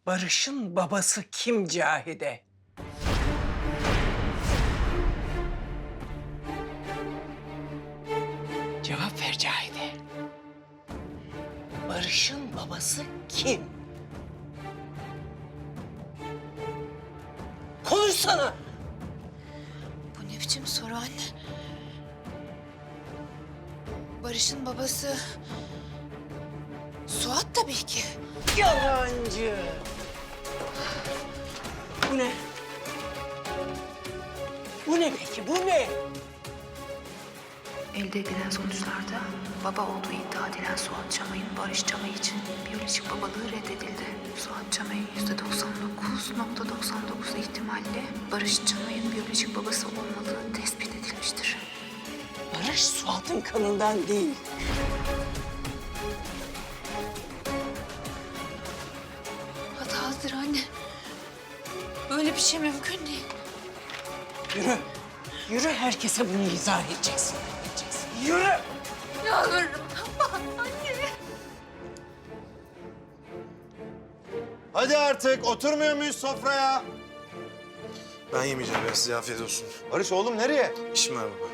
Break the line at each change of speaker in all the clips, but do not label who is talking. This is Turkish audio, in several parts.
Barış'ın babası kim Cahide? Cevap ver Cahide. Barış'ın babası kim? Konuşsana.
Bu ne biçim soru anne? Barış'ın babası... Suat tabii ki.
Yalancı. Bu ne? Bu ne peki? Bu ne?
Elde edilen sonuçlarda baba olduğu iddia edilen Suat Çamay'ın Barış Çamay için biyolojik babalığı reddedildi. Suat Çamay'ın %99,99 ihtimalle Barış Çamay'ın biyolojik babası olmadığı tespit edilmiştir.
Barış Suat'ın kanından değil.
Hatalıdır anne. Böyle bir şey mümkün değil.
Yürü. Yürü, herkese bunu izah edeceksin. Yürü.
Yalvarırım. Anne.
Hadi artık oturmuyor muyuz sofraya?
Ben yemeyeceğim ya, size afiyet olsun.
Barış oğlum nereye?
İşim var baba.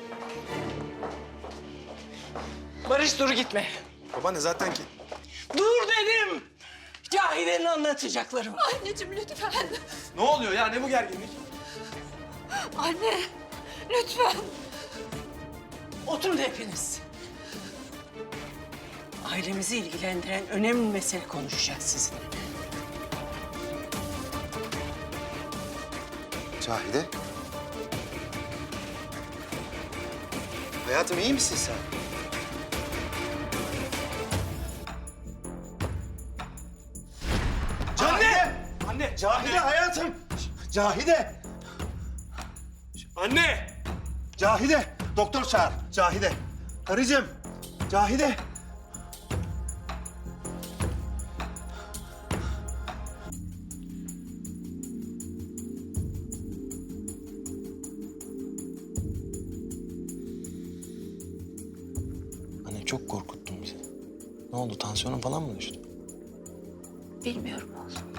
Barış dur gitme.
Babaanne zaten ki...
Dur dedim. Cahide'nin anlatacakları var.
Anneciğim lütfen.
Ne oluyor ya, ne bu gerginlik?
Anne. Lütfen.
Oturun hepiniz. Ailemizi ilgilendiren önemli mesele konuşacağız sizinle.
Cahide. Hayatım iyi misin sen? Cahide!
Anne!
Cahide hayatım! Cahide!
Anne!
Cahide! Doktor çağır. Cahide. Karıcığım. Cahide.
Anne çok korkuttun bizi. Ne oldu, tansiyonun falan mı düştü?
Bilmiyorum oğlum.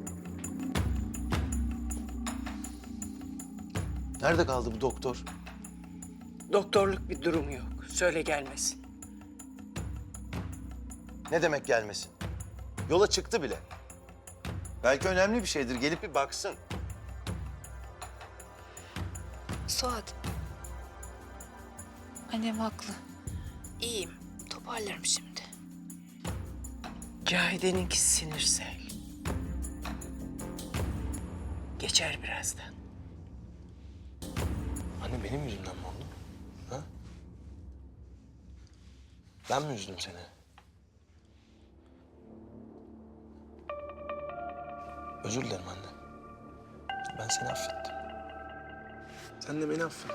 Nerede kaldı bu doktor?
Doktorluk bir durum yok. Söyle gelmesin.
Ne demek gelmesin? Yola çıktı bile. Belki önemli bir şeydir. Gelip bir baksın.
Suat. Annem haklı. İyiyim. Toparlarım şimdi.
Cahide'ninki sinirsel. Geçer birazdan.
Anne benim yüzümden mi oldu? Ha? Ben mi üzdüm seni? Özür dilerim anne. Ben seni affettim. Sen de beni affet.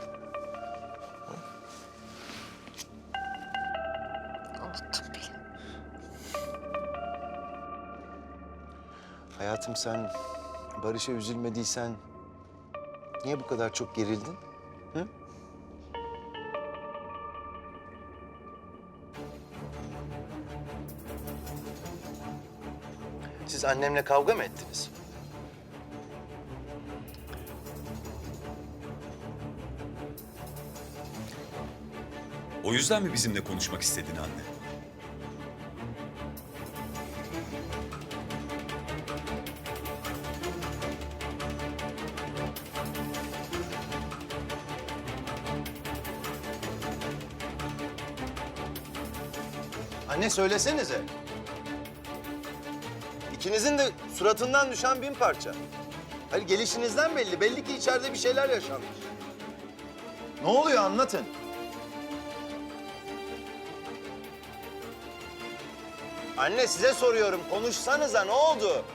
Unuttum bile.
Hayatım sen Barış'a üzülmediysen niye bu kadar çok gerildin? Hı? Siz annemle kavga mı ettiniz?
O yüzden mi bizimle konuşmak istedin anne?
Anne söylesenize. İkinizin de suratından düşen bin parça. Hani gelişinizden belli. Belli ki içeride bir şeyler yaşanmış. Ne oluyor anlatın. Anne size soruyorum. Konuşsanıza ne oldu?